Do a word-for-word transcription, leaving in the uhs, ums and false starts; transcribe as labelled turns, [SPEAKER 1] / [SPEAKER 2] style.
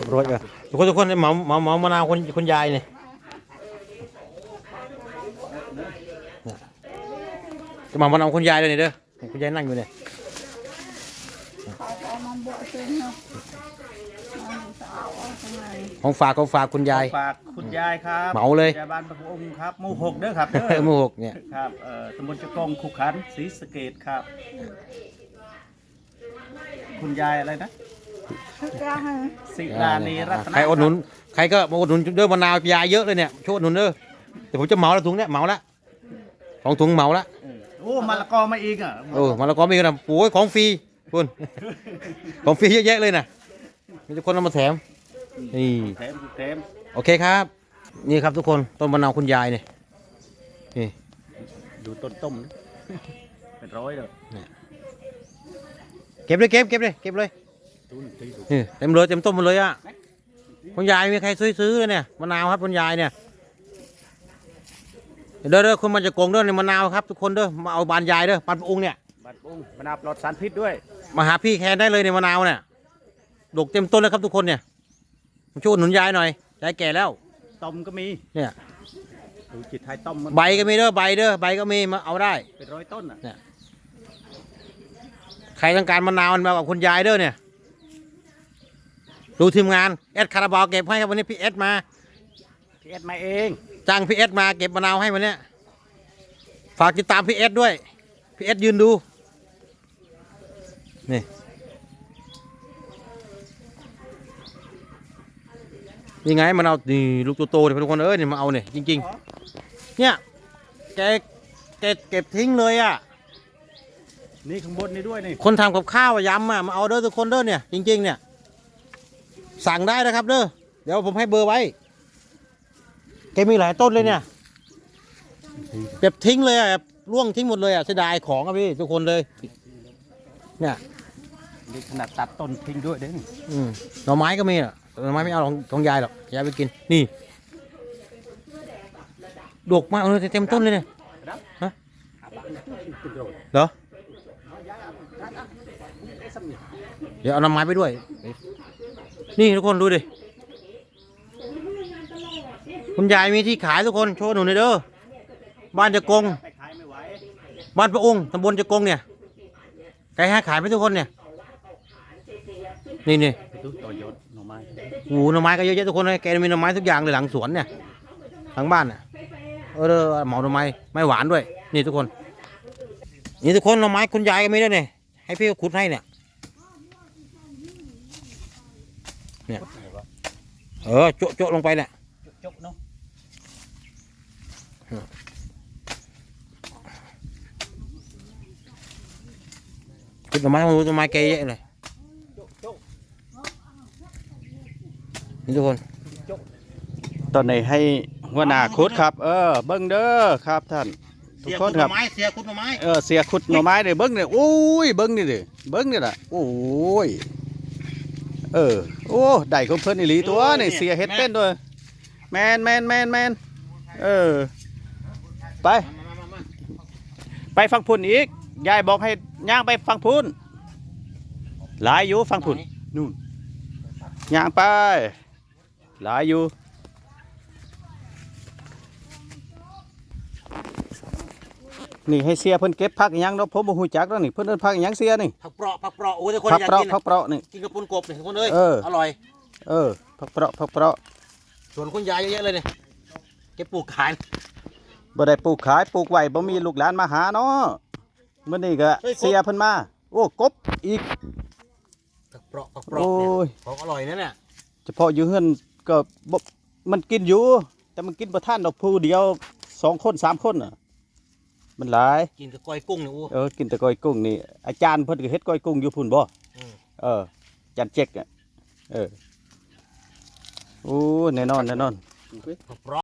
[SPEAKER 1] รถอะทุกคนทุกคนเหมาเหมาเหมามะนาวคนคนยายเนี่ยจะเหมามะนาวคนยายเลยเนี่ยเด้อคุณยายนั่งอยู่เนี่ยของฝากของฝากคุณยาย
[SPEAKER 2] ฝากคุณยายครับ
[SPEAKER 1] เหมาเลย
[SPEAKER 2] ยายบ้านพระองค์ครับหมู่หกเด้อครับ
[SPEAKER 1] หมู่หกเนี่ย
[SPEAKER 2] ครับเอ่อตำบลจะกงขุขันศรีสะเกษครับคุณยายอะไรนะศิลานีรัตน
[SPEAKER 1] ใครอดหนุนใครก็มาอดหนุนเด้อมะนาวยายเยอะเลยเนี่ยช่วยอดหนุนเด้อแต่ผมจะเหมาแล้วถุงเนี่ยเหมาละของถุงเหมาละ
[SPEAKER 2] โอ้มะละกอมาอีกอ่ะ
[SPEAKER 1] โอ้มะละกอมีกันนะโอ้ยของฟรีคุณของฟรีเยอะแยะเลยนะมีทุกคนเอามาแถมนี่
[SPEAKER 2] แถมแถม
[SPEAKER 1] โอเคครับนี่ครับทุกคนต้นมะนาวคุณยายเนี่ยนี่
[SPEAKER 2] ดูต้นต้มเป็นร้อยเลย
[SPEAKER 1] เก็บเลยเก็บเก็บเลยเก็บเลยนี่เต็มเลยเต็มต้นหมดเลยอ่ะคุณยายมีใครซื้อซื้อเลยเนี่ยมะนาวครับคุณยายเนี่ยเด้อเด้อคุณมันจะโกงเด้อในมะนาวครับทุกคนเด้อมาเอาบานยายเด้อบานองค์เนี่ย
[SPEAKER 2] บานองค์มะนาวปลอดสารพิษด้วย
[SPEAKER 1] มาหาพี่แคนได้เลยในมะนาวเนี่ยดกเต็มต้นเลยครับทุกคนเนี่ยมาช่วยหนุนยายหน่อยยายแก่แล้ว
[SPEAKER 2] ต้มก็มี
[SPEAKER 1] เนี่ย
[SPEAKER 2] ดูจิตไทยต้ม
[SPEAKER 1] ใบก็มีเด้อใบเด้อใบก็มีมาเอาได้
[SPEAKER 2] เป็นร้อยต้นอ่ะ
[SPEAKER 1] เนี่ยใครต้องการมะนาวมันมากับคุณยายเด้อเนี่ยดูทีมงานเอสคาราบาวเก็บให้ครับวันนี้พี่เอสมา
[SPEAKER 2] พี่เอสมาเอง
[SPEAKER 1] จ้างพี่เอสมาเก็บมะนาวให้วันนี้ฝากติดตามพี่เอสด้วยพี่เอสยืนดูนี่ยังไงมะนาวนี่ลูกโตๆเนี่ยทุกคนเอ้ยนี่มาเอาเนี่ยจริงๆเนี่ยแกแกเก็บทิ้งเลยอ่ะ
[SPEAKER 2] นี่ข้างบนนี่ด้วยนี่
[SPEAKER 1] คนทำกับข้าวยำอ่ะมาเอาเด้อทุกคนเด้อเนี่ยจริงๆเนี่ยสั่งได้นะครับเด้อเดี๋ยวผมให้เบอร์ไว้แกมีหลายต้นเลยเนี่ยเก็บทิ้งเลยอ่ะร่วงทิ้งหมดเลยอ่ะเสียดายของอ่ะพี่ทุกคนเลยเนี่ย
[SPEAKER 2] นี่ขนาดตัดต้นทิ้งด้วยเด้ง
[SPEAKER 1] อืมหน่อไม้ก็มีอ่ะหน่อไม้ไม่เอาของของยายหรอกยายไปกินนี่ดกมากเลยเต็มต้นเลยเนี่ยฮะเหรอเดี๋ยวเอาหน่อไม้ไปด้วยนี่ทุกคนดูดิคุณยายมีที่ขายทุกคนโชว์หนูหน่อยเด้อบ้านจะกงบ้านพระองค์ตำบลจะกงเนี่ยไก่ห้าขายไหมทุกคนเนี่ยนี่นี่โอ้หน่อไม้ก็เยอะแยะทุกคนเลยแกมีหน่อไม้ทุกอย่างเลยหลังสวนเนี่ยหลังบ้านเนี่ยเออเหมาหน่อไม้ไม้หวานด้วยนี่ทุกคนนี่ทุกคนหน่อไม้คุณยายก็มีด้วยเนี่ยให้พี่ขุดให้เนี่ยเนี่ยเออโจ๊ะโจ๊ะลงไปเนี่ย
[SPEAKER 2] จกเนาะ
[SPEAKER 1] ขุดหน่อไม้หน่อไม้แกเยอะเลยนี่ทุกคน
[SPEAKER 2] ตอนนี้ให้หัวหน้าขุดครับเออเบิ้งเด้อครับท่านทุกคนครับ
[SPEAKER 1] เสียขุดหน่อไม้
[SPEAKER 2] เออเสียขุดหน่อไม้เด้เบิ้งเนี่ยโอ้ยเบิ้งนี่ดิเบิ้งนี่แหละโอ้ยเออโอ้ได้ของเพิ่นอีหลีตัวนี่เสียเฮ็ดเป็นด้วยแมนแมนแมนแมนเออไปไปฟังพุ่นอีกยายบอกให้ย่างไปฟังพุ่นหลายอยู่ฟังพุ่นนู่นย่างไปหลายอยู่นี่ให้เสียเพิ่นเก็บผักยังเนาะผมบ่ฮู้จักแล้วนี่เพิ่นเอิ้นผักยังเสียนี่
[SPEAKER 1] ผักเปราะผักเปราะโอ้ยทุกคน
[SPEAKER 2] ผักเปราะ
[SPEAKER 1] ผั
[SPEAKER 2] กเปราะนี่
[SPEAKER 1] กินกับปุนกบนี่ทุกคนเอ้ยอร่อย
[SPEAKER 2] เออผักเปราะผักเปราะ
[SPEAKER 1] ส่วนคุณยายเยอะๆเลยเนี่ยเก็บปลูกขาย
[SPEAKER 2] บ่ได้ปลูกขายปลูกไว้บ่มีลูกหลานมาหาเนาะมื้อนี้ก็เสียเพิ่นมาโอ้กบอีก
[SPEAKER 1] ผักเปราะผักเปราะเนี่ยของอร่อยนั่นเนี่ย
[SPEAKER 2] เฉพาะอยู่เฮือนก็บ่มันกินอยู่แต่มันกินบ่ทันดอกผู้เดียวสองคนสามคนน่ะมันหลาย
[SPEAKER 1] กินกับก้อยกุ้งเนี่ยอู้
[SPEAKER 2] เออกินแต่ก้อยกุ้งนี่อาจารย์เพิ่นก็เฮ็ดก้อยกุ้งอยู่พุ่นบ่เอออาจารย์เจ๊กอ่ะเออโอ้แน่นอนแน่นอน